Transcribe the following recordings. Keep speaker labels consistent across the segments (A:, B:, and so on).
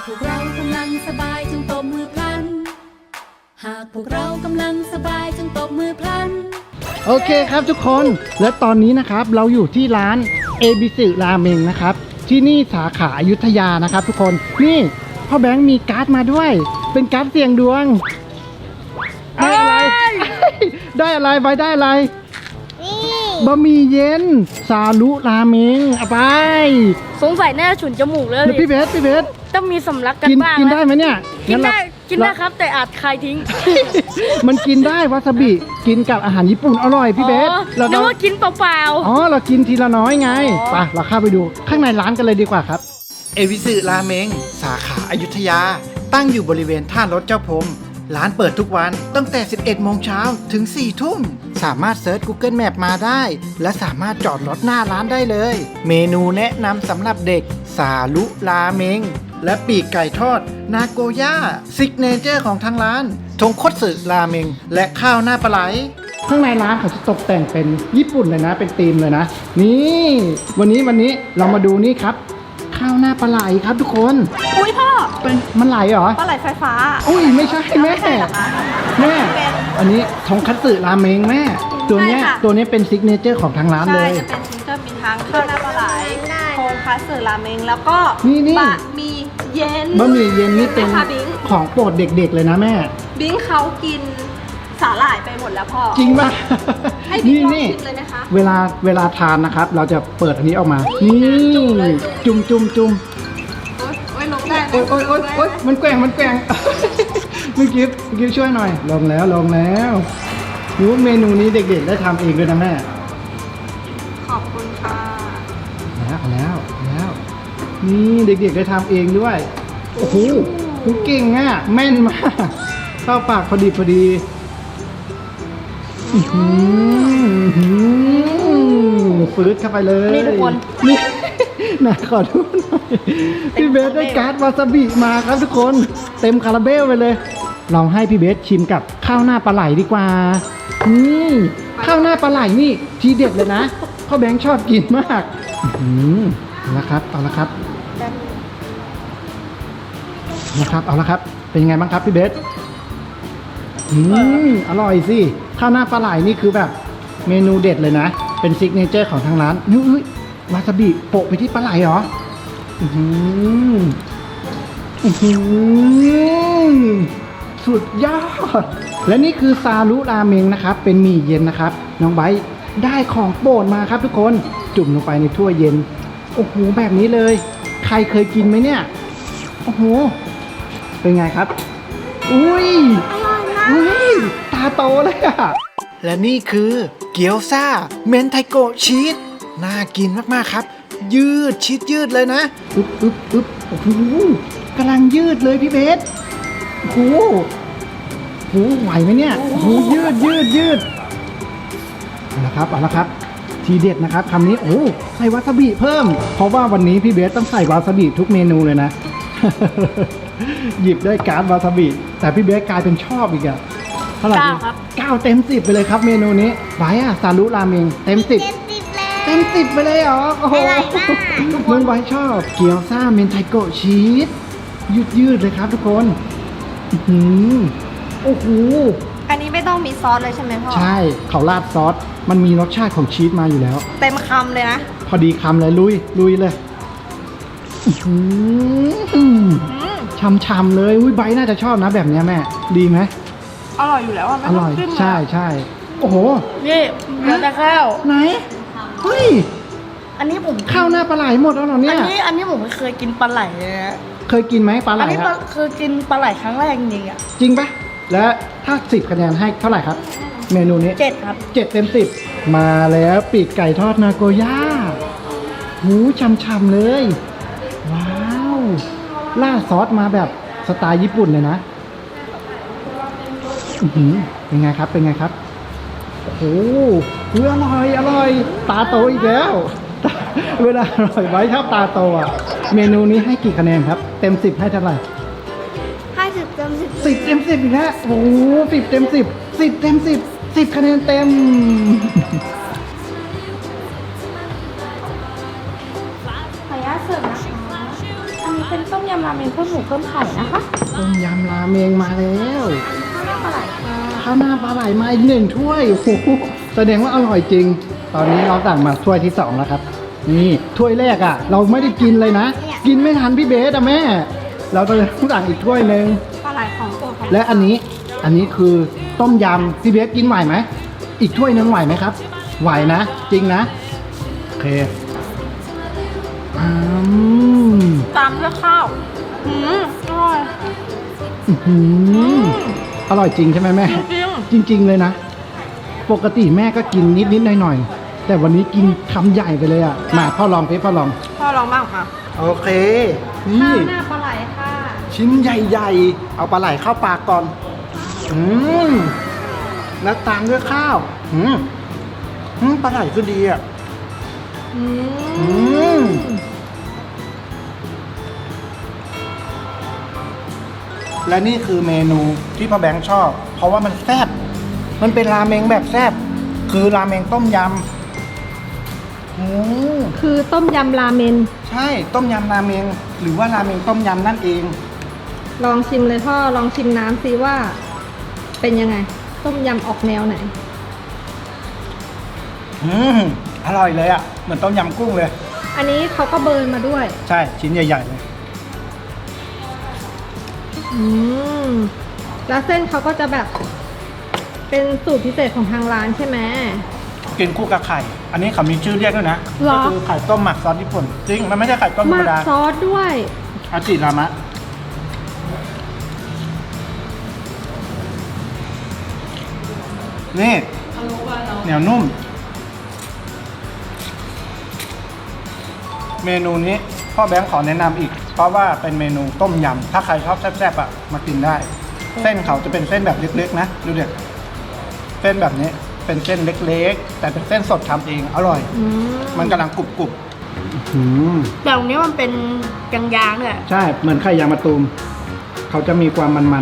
A: พวกเรากำลังสบายจงตบมือพลันหากพวกเรากำลังสบายจงตบมือพลัน
B: โอเคครับทุกคนและตอนนี้นะครับเราอยู่ที่ร้าน ABC ราเมงนะครับที่นี่สาขาอยุธยานะครับทุกคนนี่พ่อแบงค์มีการ์ดมาด้วยเป็นการ์ดเสี่ยงดวงได้อะไร ได้อะไรไปได้อะไรบะหมี่เย็นซาลุราเมงเอาไป
C: สงสัยน่าจะฉุนจมูกเลย
B: พี่เบส
C: ต้องมีสำลักกันบ้าง
B: กินได้ไหมเนี่ย
C: กินได้ครับแต่อาจคายทิ้ง
B: มันกินได้วาซาบิกินกับอาหารญี่ปุ่นอร่อยพี่เบส
C: นึกว่ากินเปล่า
B: ๆอ๋อเรากินทีละน้อยไงไปเราเข้าไปดูข้างในร้านกันเลยดีกว่าครับเอวิสึราเมงสาขาอยุธยาตั้งอยู่บริเวณท่ารถเจ้าพรมร้านเปิดทุกวันตั้งแต่ 11 โมงเช้าถึง 4 ทุ่มสามารถเซิร์ช Google Map มาได้และสามารถจอดรถหน้าร้านได้เลยเมนูแนะนำสำหรับเด็กซาลุราเมงและปีกไก่ทอดนาโกย่าซิกเนเจอร์ของทางร้านทงคตสึราเมงและข้าวหน้าปลาไหลข้างในร้านเขาจะตกแต่งเป็นญี่ปุ่นเลยนะเป็นธีมเลยนะนี่วันนี้เรามาดูนี่ครับข้าวหน้าปลาไหลครับทุกคน
C: อุ้ยพ่อ
B: เป็นมันไหลเหรอ
C: ปลาไหลไฟฟ้า
B: อุ้ยไม่ใช่แม่อันนี้ทงคัตสึราเมงแม่ตัวเนี้ยเป็นซิกเนเจอร์ของทางร้านเลย
D: จะเป็นซิกเนเจอร์มีทั้งข้าวหน้าปลาไหลโทงคัตสึราเมงแล้วก็บะหมี่เย็น
B: นี่เป็นของโปรดเด็กๆเลยนะแม่
D: บิงเขากินสาหร่ายไปหมดแล้วพ่อ
B: จริงป่ะ
D: ให้บิงลองชิมเลยนะคะ
B: เวลาทานนะครับเราจะเปิดอันนี้ออกมานี่จุ่ม
D: โอ้ยลงได้
B: โอ้ยมันแกว่งเมื่อกี้ช่วยหน่อยลงแล้วรู้เมนูนี้เด็กๆได้ทำเองด้วยนะแม่
D: ขอบคุณค่ะ
B: แล้วนี่เด็กๆได้ทำเองด้วยโอ้โหเก่งอ่ะแม่นมากเข้าปากพอดีฟืดเข้าไปเลย
C: นี่ทุกคน
B: นี่นะขอดูหน่อยพี่เบสได้การ์ดวาซาบิมาครับทุกคนเต็มคาราเบลไปเลยลองให้พี่เบสชิมกับข้าวหน้าปลาไหลดีกว่านี่ข้าวหน้าปลาไหลนี่ทีเด็ดเลยนะพ่อแบงค์ชอบกินมากเอาละครับเอาละครับเป็นยังไงบ้างครับพี่เบสอร่อยสิข้าวหน้าปลาไหลนี่คือแบบเมนูเด็ดเลยนะเป็นซิกเนเจอร์ของทางร้านนี่วาซาบิโปะไปที่ปลาไหลเหรอสุดยอดและนี่คือซาลุราเมงนะครับเป็นหมี่เย็นนะครับน้องไบร์ทได้ของโปรดมาครับทุกคนจุ่มลงไปในถ้วยเย็นโอ้โหแบบนี้เลยใครเคยกินไหมเนี่ยโอ้โหเป็นไงครับอุ้ยตาโตเลยอะและนี่คือเกี๊ยวซ่าเมนไทโกะชีสน่ากินมากๆครับยืดชีสยืดเลยนะอึ๊บโอ้โหกำลังยืดเลยพี่เบสโอ้โหไหวไหมเนี่ยโอ้โหยืดเอาละครับทีเด็ดนะครับคำนี้โอ้ใส่วาซาบิเพิ่มเพราะว่าวันนี้พี่เบสต้องใส่วาซาบิทุกเมนูเลยนะ หยิบได้การ์ดวาซาบิแต่พี่เบสกลายเป็นชอบอีกอะเท่าไหร่ครับ9 เต็ม 10ไปเลยครับเมนูนี้ไว้ซาลุราเมงเต็ม 10เต็ม 10ไปเลยเหรอโอ้โหเมืองไว้ชอบเกี๊ยวซ่าเมนไทโกะชีสยืดเลยครับทุกคนโอ้โห
D: อันนี้ไม่ต้องมีซอสเลยใช่ไหมพ่อ
B: ใช่เขาราดซอสมันมีรสชาติของชีสมาอยู่แล้ว
D: เต็มคำเลยนะ
B: พอดีคำเลยลุยเลยช่ำเลยไบน่าจะชอบนะแบบนี้แม่ดีไหม
D: อร่อยอยู่แล้วอ่ะ
B: อร่อยใช่โอ้โห
C: นี่เดี๋ยวจะข้าว
B: ไหนเฮ้ย
C: อันนี้ผม
B: ข้าวหน้าปลาไหลหมดแล้วเหรอเนี่ย
C: อันนี้ผมไม่เคยกินปลาไหลเลยนะ
B: เคยกินไหมปลาไหล
C: อันนี้เคยกินปลาไหลครั้งแรกจริงๆอ่ะ
B: จริงปะแล้วถ้า10 คะแนนให้เท่าไหร่ครับเมนูนี้
C: 7ครับ
B: 7 เต็ม 10มาแล้วปีกไก่ทอดนาโกย่าหูช่ำๆเลยว้าวราดซอสมาแบบสไตล์ญี่ปุ่นเลยนะเป็นไงครับโอ้โหอร่อยตาโตอีกแล้วเวลาอร่อยไว้ชอบตาโตอ่ะเมนูนี้ให้กี่คะแนนครับเต็ม 10ให้เท่าไหร่
D: 10 เต็ม 10
B: 10 เต็ม 10อีกแล้วโอ้โห10 เต็ม 10 เต็ม 10คะแนนเต็ม
D: ขออนุญาตเสิร์ฟนะคะอันนี้เป็นต้มยำราเมเมงเพิ่มหมูเพิ่มไข่นะคะ
B: ต้มยำราเมงมาแล้ว
D: ข้าวหน้าปลาไหลค่ะ
B: ข้าวหน้าปลาไหลมาอีก1 ถ้วยโอ้โหแสดงว่าอร่อยจริง ตอนนี้เราสั่งมาถ้วยที่2แล้วครับนี่ถ้วยแรกอ่ะ เราไม่ได้กินเลยนะ กินไม่ทันพี่เบสอะแม่ เราต้องสั่งอีกถ้วยหนึ่ง
D: ปลาไหลของโปรดของ
B: และอันนี้คือต้มยำพี่เบสกินไหวไหมอีกถ้วยหนึงไหวไหมครับ ไหวนะจริงนะโอเคอืม
D: ตามด้วยข้าวอร่อย
B: อื้อหืออร่อยจริงใช่ไหมแม่
D: จริง
B: จริง ๆ เลยนะ ปกติแม่ก็กินนิดๆหน่อยๆแต่วันนี้กินคำใหญ่ไปเลยอ่ะมาพ่อลองพ่อลอง
D: พ่อลองบ้างค่ะ
B: โอเคนี่
D: ข้าวหน้าปลาไหลค่ะ
B: ชิ้นใหญ่ๆเอาปลาไหลเข้าปากก่อนแล้วตามด้วยข้าวปลาไหลก็ดีอ่ะและนี่คือเมนูที่พ่อแบงค์ชอบ เพราะว่ามันแซ่บมันเป็นราเมงแบบแซ่บคือราเมงต้มยำ
D: คือต้มยำราเมน
B: ใช่ต้มยำราเมงหรือว่าราเมงต้มยำนั่นเอง
D: ลองชิมเลยพ่อลองชิมน้ำซิว่า เป็นยังไง ต้มยำออกแนวไหน
B: อร่อยเลยอ่ะเหมือนต้มยำกุ้งเลย
D: อันนี้เขาก็เบิร์นมาด้วย
B: ใช่ชิ้นใหญ่ๆเลย
D: แล้วเส้นเขาก็จะแบบ เป็นสูตรพิเศษของทางร้านใช่ไหม
B: กินคู่กับไข่ อันนี้เขามีชื่อเรียกด้วยนะ
D: หรอ
B: ก็คือไข่ต้มหมักซอสญี่ปุ่นจริงมันไม่ใช่ไข่ต้มธร
D: หมั
B: รม
D: ก
B: ดา
D: ซอสด้วย
B: อาจิรามะนี่เหนียวนุ่ม เมนูนี้พ่อแบงค์ขอแนะนำอีก เพราะว่าเป็นเมนูต้มยำถ้าใครชอบแซ่บๆอ่ะมากินได้ เส้นเขาจะเป็นเส้นแบบเล็กๆนะดูเด็กเส้นแบบนี้เป็นเส้นเล็กๆ แต่เป็นเส้นสดทำเองอร่อย มันกำลังกรุบๆ
C: แต่ตรงนี้มันเป็นยางๆเนี่ย
B: ใช่เหมือนไข่ยางมะตูมเขาจะมีความมัน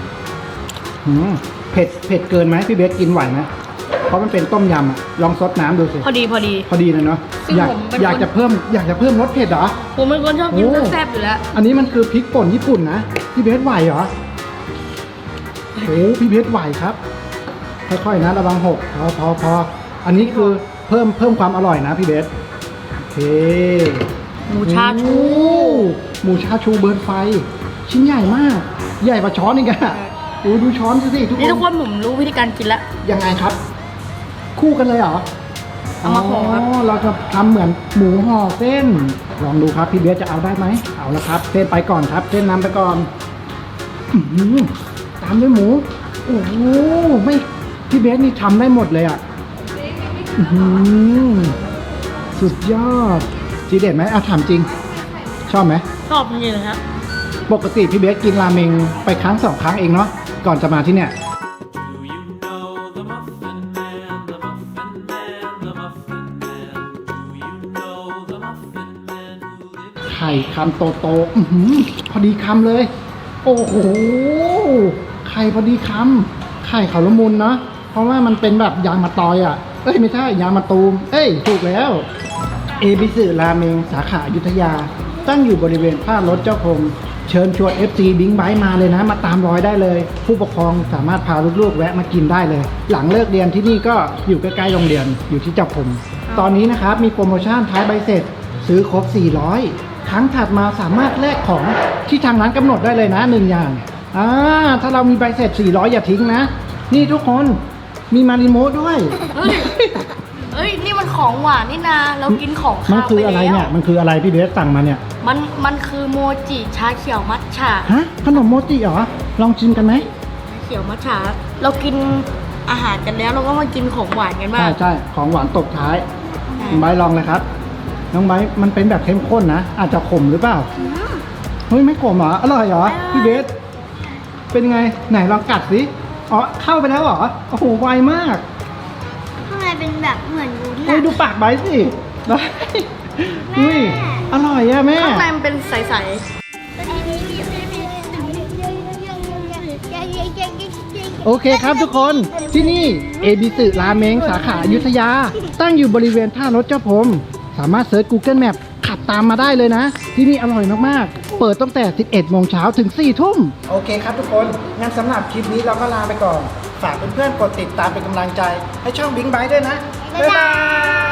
B: ๆเผ็ดเกินไหมพี่เบสกินไหวไหมเพราะมันเป็นต้มยำอะลองซดน้ำดูสิ
C: พอดี
B: พอดีเลยเนาะ
C: ซึ่ง
B: อยาก
C: ผมเป็นคน
B: อยากจะเพิ่มรสเผ็ดเหรอ
C: ผมเป็นคนชอบกิน
B: โอ้
C: แซ่บๆอยู่แล้ว
B: อันนี้มันคือพริกป่นญี่ปุ่นนะพี่เบสไหวเหรอโอ้พี่เบสไหวครับค่อยๆนะระวังหกพออันนี้คือเพิ่มความอร่อยนะพี่เบสโอเค
C: หมูชาชู
B: หมูชาชูเบิร์นไฟ ชิ้นใหญ่มาก ใหญ่กว่าช้อนอีกอะดูช้อนสิทุก
C: นี่ทุก
B: ค
C: คน นผมรู้วิธีการกินแล้ว
B: ยังไงครับ คู่กันเลยเหรอ
C: เอามาห่อครับ
B: เราจะทำเหมือนหมูห่อเส้น ลองดูครับพี่เบสจะเอาได้ไหมเอาละครับเส้นไปก่อนครับเส้นนำไปก่อนอื้อหือตามด้วยหมูโอ้โหไม่พี่เบสนี่ทำได้หมดเลยอ่ะอื้อหือสุดยอดจีเด็ดไหมถามจริง ชอบไหม
C: ชอบจริงๆเลยครับ
B: ปกติพี่เบสกินราเมงไปครั้ง 2 ครั้งเองเนาะก่อนจะมาที่เนี่ย
E: Do you know the Muffin Man, the Muffin Man, the Muffin Man? Do you know the Muffin Man who lives
B: ไข่คำโตๆอื้อหือพอดีคำเลย โอ้โห ไข่พอดีคำไข่เขาละมุนเนาะเพราะว่ามันเป็นแบบยางมะตอยอ่ะ เอ้ยไม่ใช่ยางมะตูม เอ้ยถูกแล้ว เอบิสึราเมงสาขาอยุธยา ตั้งอยู่บริเวณท่ารถเจ้าพรมเชิญชวน FC บิงไบค์มาเลยนะ มาตามรอยได้เลย ผู้ปกครองสามารถพาลูกๆแวะมากินได้เลย หลังเลิกเรียนที่นี่ก็อยู่ใกล้ๆโรงเรียนอยู่ที่เจ้าพรมตอนนี้นะครับมีโปรโมชั่นท้ายใบเสร็จ ซื้อครบ 400 ครั้งถัดมาสามารถแลกของที่ทางร้านกำหนดได้เลยนะ1อย่างถ้าเรามีใบเสร็จ 400 อย่าทิ้งนะ นี่ทุกคนมีมาริโมะด้วย
C: เฮ้ย นี่มันของหวานนี่นา เรากินของ
B: มัน
C: ข้าว
B: คือ
C: ไป
B: อะไร
C: แล้ว
B: เนี่ยมันคืออะไรพี่เบสสั่งมาเนี่ย
C: มันคือโมจิชาเขียวมัทฉะ
B: ฮะขนมโมจิเหรอลองชิมกันไหม
C: เขียวมัทฉะเรากินอาหารกันแล้วเราก็มากินของหวานกันบ้าง
B: ใช่ของหวานตกท้ายน้องไบร์ทลองเลยครับ น้องไบร์ทมันเป็นแบบเข้มข้นนะ อาจจะขมหรือเปล่าเฮ้ยไม่ขมเหรออร่อยเหรอพี่เบสเป็นไงไหนลองกัดสิอ๋อเข้าไปแล้วเหรอโอ้โหไวมาก
F: ข้างในเป็นแบบเหมือนวุ้น
B: เฮ้ยดูปากไบร์ทสิเฮ้ยอร่อยอะแม่
C: ข้างในมันเป็นใส
B: โอเคครับทุกคนที่นี่เอบิสึราเมงสาขาอยุธยา ตั้งอยู่บริเวณท่ารถเจ้าพรมสามารถเซิร์ช Google Map ขับตามมาได้เลยนะ ที่นี่อร่อยมากๆ เปิดตั้งแต่ 11 โมงเช้าถึง 4 ทุ่ม โอเคครับทุกคน งั้นสำหรับคลิปนี้เราก็ลาไปก่อน ฝากเพื่อนๆกดติดตามเป็นกำลังใจให้ช่องบิงไบท์ด้วยนะ บ๊ายบาย